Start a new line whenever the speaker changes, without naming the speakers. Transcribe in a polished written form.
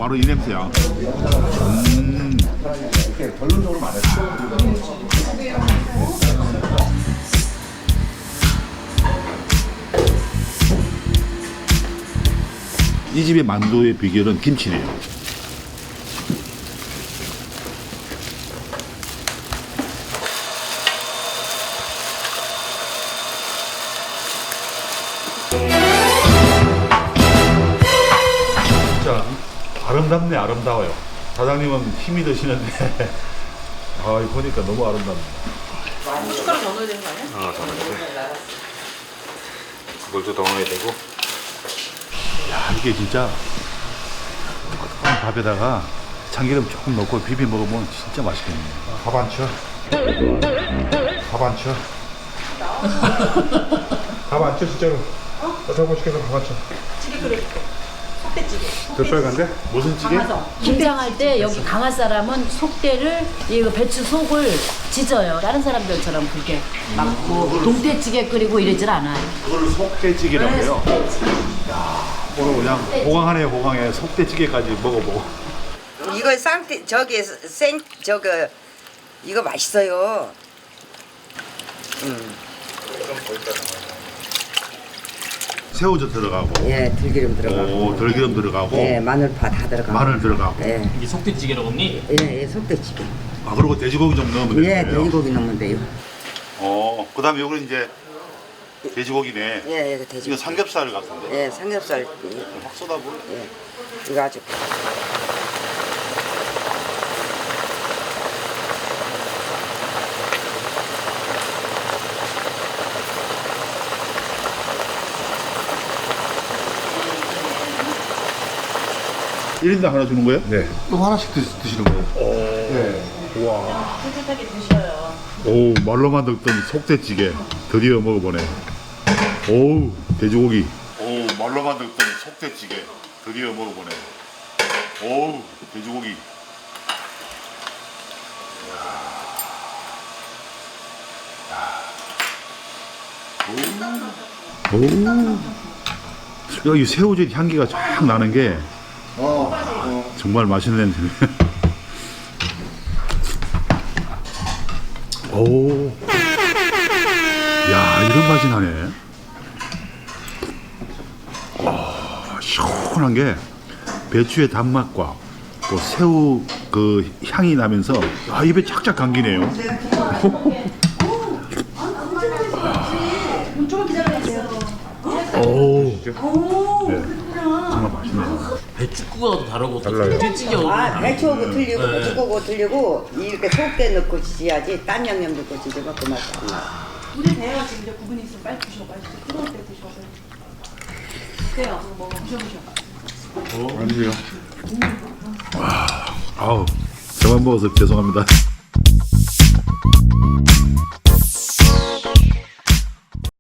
바로 이 냄새야.
결론적으로 말했어.
이 집의 만두의 비결은 김치네요. 진짜 아름답네. 아름다워요. 사장님은 힘이 드시는데 아, 이거 보니까 너무 아름답네.
숟가락 더 넣어야 되는 거 아니야?
아, 더 넣어야 돼. 물도 더 넣어야 되고. 야, 이게 진짜 뜨끈한 밥에다가 참기름 조금 넣고 비벼 먹으면 진짜 맛있겠네. 밥 안 쳐. 밥 안 쳐. 밥 안 쳐, 진짜로. 더 맛있겠어, 밥 안 쳐.
찌개 끓여줄게. 속대찌개.
더 빨간데? 무슨 찌개?
김장할 때 여기 강한 사람은 속대를 이 배추 속을 지져요. 다른 사람들처럼 그렇게 막고 동태찌개 끓이고 이러질 않아요.
그걸 속대찌개라고 해요. 야, 오늘 그냥 호강하네요, 호강해. 속대찌개까지 먹어보고.
이거 쌍태 저기 생 저거 이거 맛있어요.
새우젓 들어가고,
예, 들기름 들어가고.
오, 들기름 들어가고,
예, 마늘파 다 들어가고.
마늘 들어가고.
예,
이게 속대찌개라고 언니?
예, 속대찌개.
아, 그리고 돼지고기 좀 넣으면
예,
되는 거예요?
돼지고기 넣으면 돼요.
그 다음에 이거는 이제 돼지고기네.
예,
이거
돼지고기.
삼겹살 같은데.
예, 삼겹살.
확 쏟아부어.
예, 이거 아주.
일인당 하나 주는 거예요?
네. 또 하나씩 드시는 거예요? 네.
와.
깨끗하게 드셔요.
오, 말로만 듣던 속대찌개 드디어 먹어보네. 오, 돼지고기. 오, 말로만 듣던 속대찌개 드디어 먹어보네. 오, 돼지고기. 오. 여기 새우젓 향기가 쫙 나는 게 정말 맛있는 냄새네. 오. 야, 이런 맛이 나네. 와, 시원한 게 배추의 단맛과 또 새우 그 향이 나면서 입에 착착 감기네요. 오. 네, 정말 맛있네요.
배추국하고도 다르고
달라요.
동태찌개하고
아, 배추하고 틀리고
네.
배추하고 틀리고 이렇게 속대 넣고 지져야지 딴 양념 넣고 지져면 그 맛이 안 나.
우리 대회가 지금 이제 구분이 있으면 빨리 드셔. 맛있어. 뜨거울 때 드셔서. 그래요. 뭐 드셔보셔.
아니요. 아우, 저만 먹어서 죄송합니다.